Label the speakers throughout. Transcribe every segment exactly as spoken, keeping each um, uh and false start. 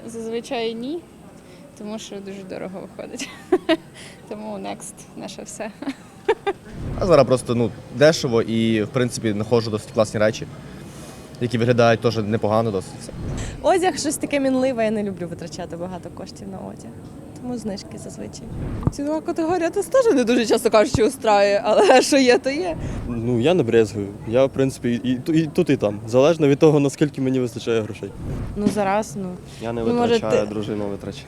Speaker 1: Зазвичай ні, тому що дуже дорого виходить. Тому next наше все.
Speaker 2: А зараз просто ну, дешево і, в принципі, знаходжу досить класні речі, які виглядають теж непогано досить.
Speaker 3: Одяг щось таке мінливе, я не люблю витрачати багато коштів на одяг. Тому знижки зазвичай.
Speaker 4: Цінова категорія це теж не дуже часто кажучи устраює, але що є, то є.
Speaker 5: Ну, я не брезгую. Я, в принципі, і, і, і тут, і там. Залежно від того, наскільки мені вистачає грошей.
Speaker 3: Ну зараз, ну.
Speaker 5: Я не
Speaker 3: Ну, може,
Speaker 5: витрачаю,
Speaker 3: ти-
Speaker 5: дружина витрачає.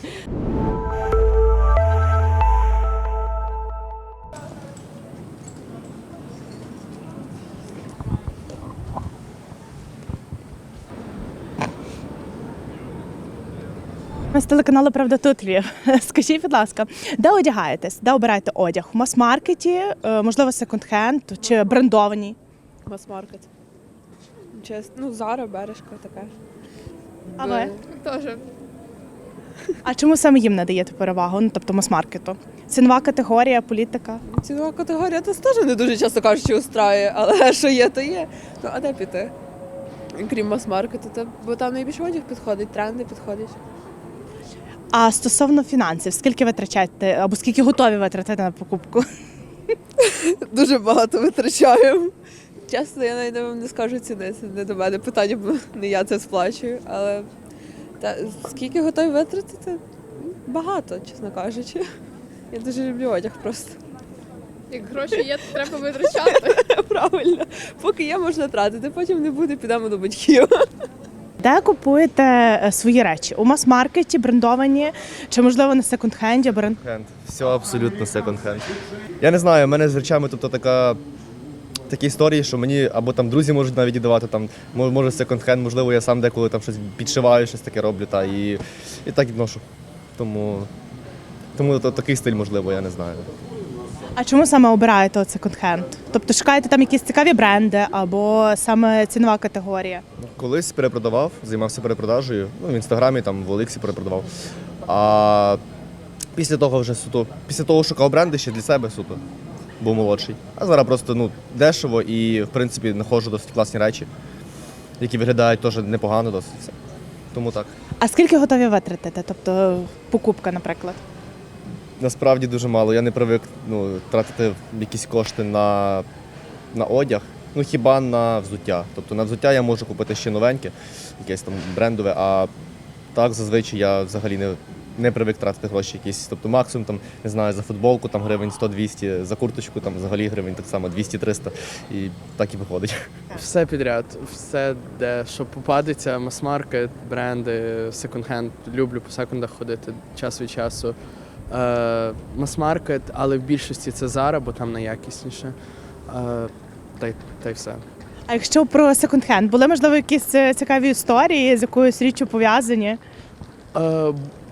Speaker 6: Ми з телеканалу «Правда тут Львів». Скажіть, будь ласка, де одягаєтесь? Де обираєте одяг? В мас-маркеті, е, можливо, секонд-хенд чи брендовані?
Speaker 4: Мас-маркет. Чесно, ну, Зара, Бережка така.
Speaker 6: А ви?
Speaker 1: Теж.
Speaker 6: А чому саме їм надаєте перевагу? Ну, тобто мас-маркету? Цінова категорія, політика?
Speaker 4: Цінова категорія це теж не дуже часто кажучи устраює, але що є, то є. Ну, а де піти? Крім мас-маркету, то, бо там найбільше одяг підходить, тренди підходять.
Speaker 6: А стосовно фінансів, скільки витрачаєте або скільки готові витратити на покупку?
Speaker 4: Дуже багато витрачаємо. Чесно, я навіть вам не скажу ціни, це не до мене питання, бо не я це сплачую. Але та, скільки готові витратити? Багато, чесно кажучи. Я дуже люблю одяг просто.
Speaker 1: Як гроші є, то треба витрачати.
Speaker 4: Правильно. Поки є, можна тратити, потім не буде, підемо до батьків.
Speaker 6: Де купуєте е, свої речі? У мас-маркеті, брендовані, чи, можливо, на секонд-хенді? Бренд...
Speaker 2: Секонд-хенд. Все абсолютно секонд-хенд. Я не знаю, в мене з речами тобто, така, такі історії, що мені або там друзі можуть навіть віддавати, там, мо- може секонд-хенд, можливо, я сам деколи там щось підшиваю, щось таке роблю, та, і, і так відношу. Тому, тому то, такий стиль, можливо, я не знаю.
Speaker 6: А чому саме обираєте от секонд-хенд? Тобто шукаєте там якісь цікаві бренди або саме цінова категорія?
Speaker 2: Колись перепродавав, займався перепродажею, ну, в інстаграмі, там, в Оліксі перепродавав. А після того вже суто, після того шукав бренди ще для себе суто, був молодший. А зараз просто ну, дешево і, в принципі, знаходжу досить класні речі, які виглядають теж непогано досить. Все. Тому так.
Speaker 6: А скільки готові витратити? Тобто покупка, наприклад?
Speaker 2: Насправді дуже мало. Я не привик ну, тратити якісь кошти на, на одяг, ну хіба на взуття. Тобто на взуття я можу купити ще новеньке, якесь там брендове, а так зазвичай я взагалі не, не привик тратити гроші якісь. Тобто максимум там, не знаю, за футболку там гривень сто-двісті, за курточку там взагалі гривень так само двісті-триста і так і виходить.
Speaker 7: Все підряд, все, де що попадеться, мас-маркет, бренди, секонд-хенд. Люблю по секондах ходити час від часу. Е, мас-маркет, але в більшості це Zara, бо там найякісніше. Е, та, й, та й все.
Speaker 6: А якщо про секонд-хенд, були, можливо, якісь е, цікаві історії з якоюсь річчю пов'язані?
Speaker 7: Е,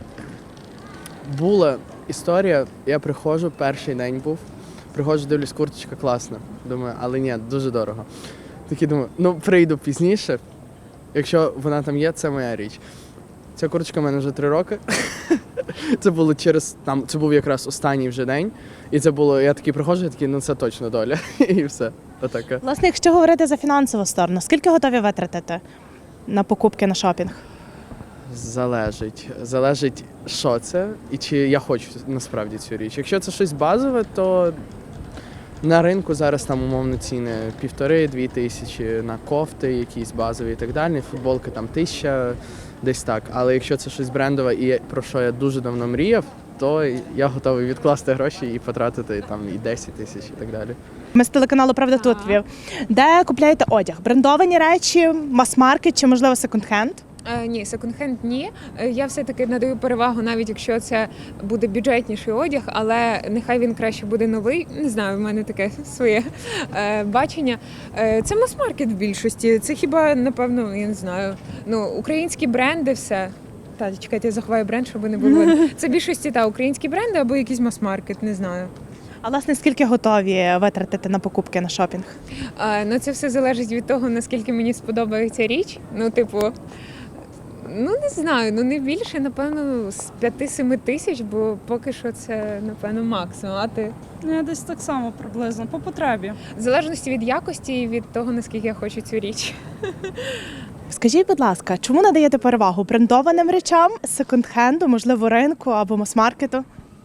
Speaker 7: була історія, я приходжу, перший день був, приходжу, дивлюсь, курточка класна. Думаю, але ні, дуже дорого. Такий думаю, ну прийду пізніше, якщо вона там є, це моя річ. Ця курточка в мене вже три роки. Це було через там, це був якраз останній вже день. І це було, я такий приходжу, я такий, ну це точно доля. І все. Отаке.
Speaker 6: Власне, якщо говорити за фінансову сторону, скільки готові витратити на покупки, на шопінг?
Speaker 7: Залежить. Залежить, що це, і чи я хочу насправді цю річ. Якщо це щось базове, то на ринку зараз там умовно ціни півтори-дві тисячі на кофти, якісь базові і так далі. Футболки там тисяча, десь так. Але якщо це щось брендове і про що я дуже давно мріяв, то я готовий відкласти гроші і потратити там і десять тисяч і так далі.
Speaker 6: Ми з телеканалу «Правда тут Львів». Де купляєте одяг? Брендовані речі, мас-маркет чи, можливо, секонд-хенд?
Speaker 8: Е, ні, секонд-хенд ні. Е, Я все-таки надаю перевагу, навіть якщо це буде бюджетніший одяг, але нехай він краще буде новий. Не знаю, в мене таке своє е, бачення. Е, це мас-маркет в більшості. Це хіба, напевно, я не знаю, ну, українські бренди все. Та, чекайте, я заховаю бренд, щоб не було. Це в більшості та українські бренди або якийсь мас-маркет, не знаю.
Speaker 6: А, власне, скільки готові витратити на покупки, на шопінг?
Speaker 8: Е, ну, це все залежить від того, наскільки мені сподобається річ. Ну, типу, ну не знаю, ну не більше, напевно, з п'яти-семи тисяч, бо поки що це, напевно, максимум. А ти?
Speaker 9: Ну, я десь так само приблизно, по потребі.
Speaker 8: В залежності від якості і від того, наскільки я хочу цю річ.
Speaker 6: Скажіть, будь ласка, чому надаєте перевагу брендованим речам, секонд-хенду, можливо, ринку або мас-маркету?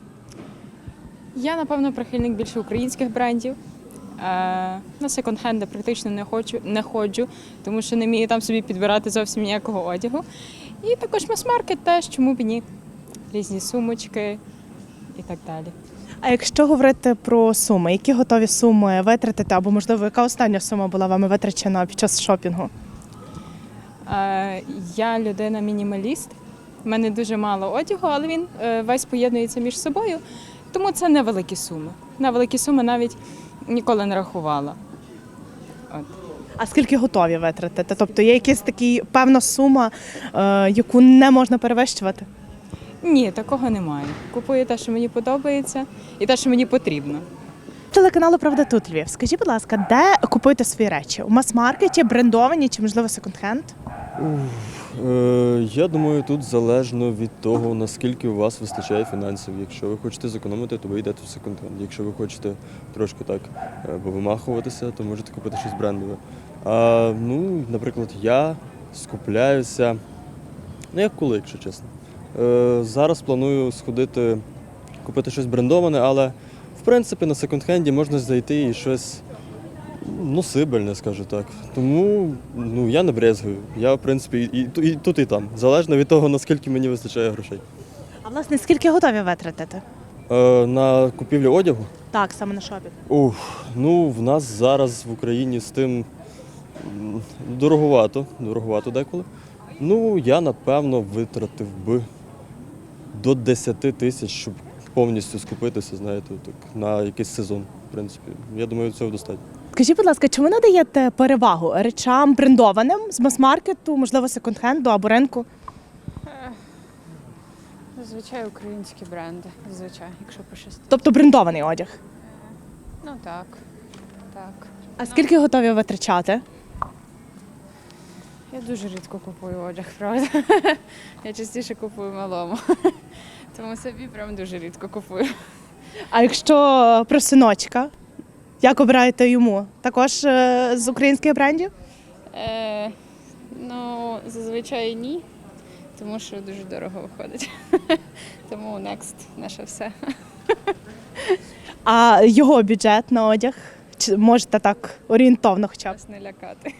Speaker 1: Я, напевно, прихильник більше українських брендів. Е, На секонд-хенди практично не хочу, не ходжу, тому що не вмію там собі підбирати зовсім ніякого одягу. І також мас-маркет теж, чому б і ні. Різні сумочки і так далі.
Speaker 6: А якщо говорити про суми, які готові суми витратити, або, можливо, яка остання сума була вами витрачена під час шопінгу?
Speaker 1: Е, Я людина-мінімаліст. У мене дуже мало одягу, але він е, весь поєднується між собою. Тому це невеликі суми. На великі суми навіть ніколи не рахувала. От.
Speaker 6: А скільки готові витратити? Тобто є якась така певна сума, е, яку не можна перевищувати?
Speaker 1: Ні, такого немає. Купую те, що мені подобається, і те, що мені потрібно.
Speaker 6: Телеканалу Правда тут Львів. Скажіть, будь ласка, де купуєте свої речі? У мас-маркеті, брендовані чи, можливо, секонд-хенд?
Speaker 5: Е, я думаю, тут залежно від того, наскільки у вас вистачає фінансів. Якщо ви хочете зекономити, то ви йдете в секонд-хенд. Якщо ви хочете трошки так е, повимахуватися, то можете купити щось брендове. А, ну, наприклад, я скупляюся, ну як коли, якщо чесно. Е, зараз планую сходити, купити щось брендоване, але в принципі на секонд-хенді можна зайти і щось носибельне, скажу так. Тому ну, я не брезгую. Я, в принципі, і, і, і тут, і там. Залежно від того, наскільки мені вистачає грошей.
Speaker 6: А власне, скільки готові витратити?
Speaker 5: Е, на купівлю одягу?
Speaker 6: Так, саме на шопінг.
Speaker 5: Ух, ну, в нас зараз в Україні з тим м, дороговато, дороговато деколи. Ну, я, напевно, витратив би до десяти тисяч, щоб повністю скупитися, знаєте, так, на якийсь сезон, в принципі. Я думаю, цього достатньо.
Speaker 6: Скажіть, будь ласка, чи ви надаєте перевагу речам брендованим з мас-маркету, можливо, секонд-хенду або ринку?
Speaker 1: Зазвичай українські бренди, зазвичай, якщо пощастить.
Speaker 6: Тобто брендований одяг.
Speaker 1: Ну так, так.
Speaker 6: А скільки готові витрачати?
Speaker 1: Я дуже рідко купую одяг, правда. Я частіше купую малому. Тому собі прям дуже рідко купую.
Speaker 6: А якщо про синочка, як обираєте йому? Також е, з українських брендів?
Speaker 1: Е, ну, зазвичай ні, тому що дуже дорого виходить. Тому next наше все.
Speaker 6: А його бюджет на одяг? Чи можете так орієнтовно хоча б?
Speaker 1: Нас не лякати.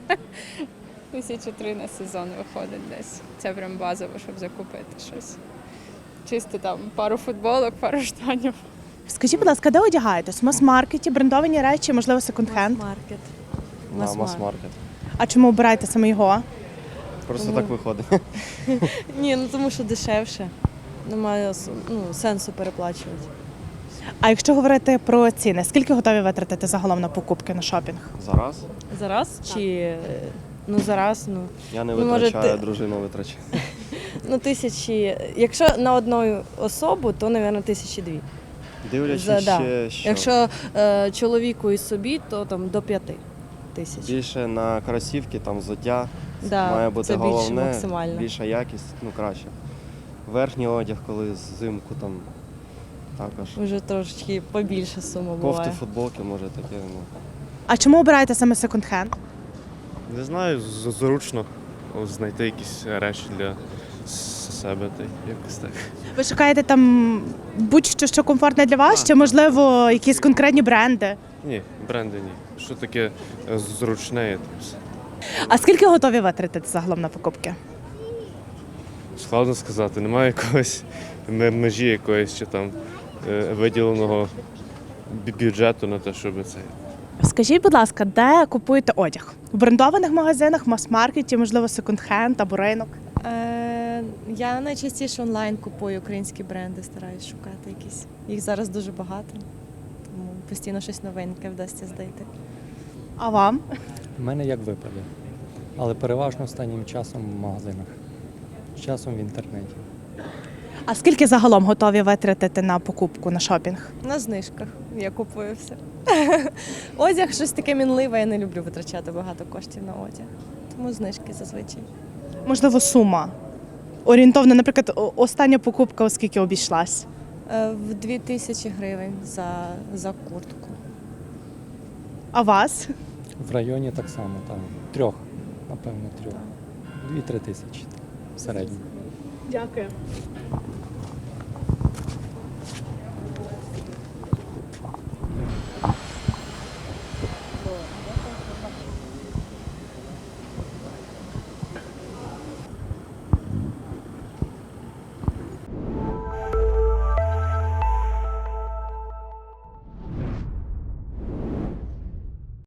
Speaker 1: Тисячі три на сезон виходить десь. Це прям базово, щоб закупити щось. Чисто там пару футболок, пару штанів.
Speaker 6: Скажіть, будь ласка, де одягаєтесь? В мас-маркеті, брендовані речі, можливо, секонд-хенд?
Speaker 3: Маркет.
Speaker 2: На
Speaker 3: Мас-маркет.
Speaker 2: мас-маркет.
Speaker 6: А чому обираєте саме його?
Speaker 2: Просто
Speaker 3: Тому-
Speaker 2: так виходить.
Speaker 3: Ні, ну тому що дешевше. Немає ну, сенсу переплачувати.
Speaker 6: А якщо говорити про ціни, скільки готові витратити загалом на покупки на шопінг?
Speaker 2: Зараз
Speaker 3: Зараз чи е, ну зараз, ну.
Speaker 2: я не
Speaker 3: Ну, може,
Speaker 2: витрачаю,
Speaker 3: ти-
Speaker 2: дружина витрачає.
Speaker 3: Ну, тисячі. Якщо на одну особу, то, мабуть, тисячі дві.
Speaker 2: Дивлячись
Speaker 3: За- да.
Speaker 2: ще, що
Speaker 3: Якщо е, чоловіку і собі, то там до п'яти тисяч.
Speaker 2: більше на кросівки, там взуття,
Speaker 3: Да,
Speaker 2: має бути
Speaker 3: це більше
Speaker 2: головне,
Speaker 3: максимально.
Speaker 2: більша якість, ну краще. Верхній одяг, коли взимку там також.
Speaker 3: Вже трошечки побільше сума
Speaker 2: Кофти,
Speaker 3: буває.
Speaker 2: футболки, може таке. Ну.
Speaker 6: А чому обираєте саме секонд-хенд?
Speaker 10: Не знаю, з- зручно знайти якісь речі для с- себе та й якось так.
Speaker 6: Ви шукаєте там будь-що, що комфортне для вас, чи, можливо, якісь конкретні бренди?
Speaker 10: Ні, бренди ні. Що таке е, зручне, і там все.
Speaker 6: А скільки готові витратити загалом на покупки?
Speaker 10: Складно сказати, немає якогось ме- межі якоїсь чи там е, виділеного бю- бюджету на те, щоб це.
Speaker 6: Скажіть, будь ласка, де купуєте одяг? В брендованих магазинах, мас-маркеті, можливо, секонд-хенд або ринок?
Speaker 3: Е, я найчастіше онлайн купую українські бренди, стараюсь шукати якісь. Їх зараз дуже багато, тому постійно щось новеньке вдасться знайти.
Speaker 6: А вам?
Speaker 11: У мене як випаде, але переважно останнім часом в магазинах, часом в інтернеті.
Speaker 6: А скільки загалом готові витратити на покупку, на шопінг?
Speaker 3: На знижках я купую все. Одяг щось таке мінливе, я не люблю витрачати багато коштів на одяг. Тому знижки зазвичай.
Speaker 6: Можливо, сума? Орієнтовно, наприклад, о- остання покупка, оскільки обійшлась?
Speaker 3: Е, в дві тисячі гривень за, за куртку.
Speaker 6: А вас?
Speaker 11: В районі так само, там трьох напевно, трьох. Дві-три тисячі в середньому.
Speaker 6: Дякую.